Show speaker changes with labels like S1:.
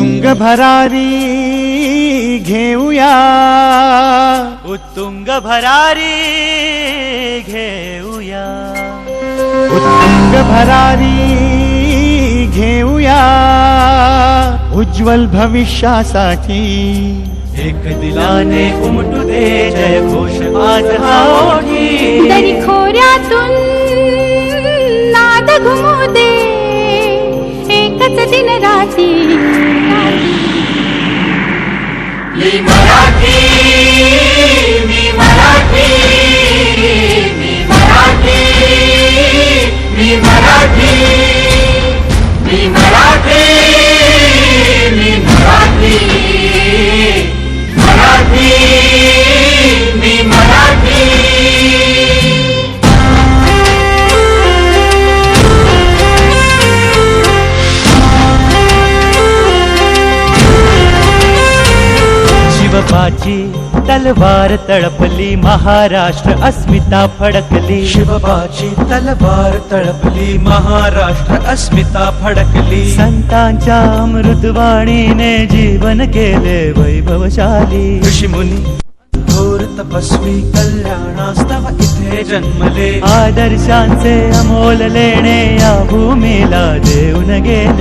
S1: उत्तुंग भरारी घेऊया,
S2: उत्तुंग भरारी घेऊया,
S1: उत्तुंग भरारी घेऊया, उज्ज्वल भविष्यासाठी
S2: एक दिलाने उमटू दे जय घोष आज हा ओठी,
S3: दरी खोऱ्यातून नाद घुमू दे एकच दिन राती,
S2: मी मराठी, मी मराठी, मी मराठी, मी मराठी, मी मराठी, मी मराठी, मराठी, मी मराठी। शिवबाची तलवार तळपली, महाराष्ट्र अस्मिता फडकली,
S4: शिवबाची तलवार तळपली, महाराष्ट्र अस्मिता फडकली,
S2: संतांच्या अमृतवाणीने जीवन केले वैभवशाली,
S4: ऋषीमुनी थोर तपस्वी कल्याणास्तव इथे जन्मले,
S2: आदर्शांचे अमोल लेणे या भूमीला देऊन गेले।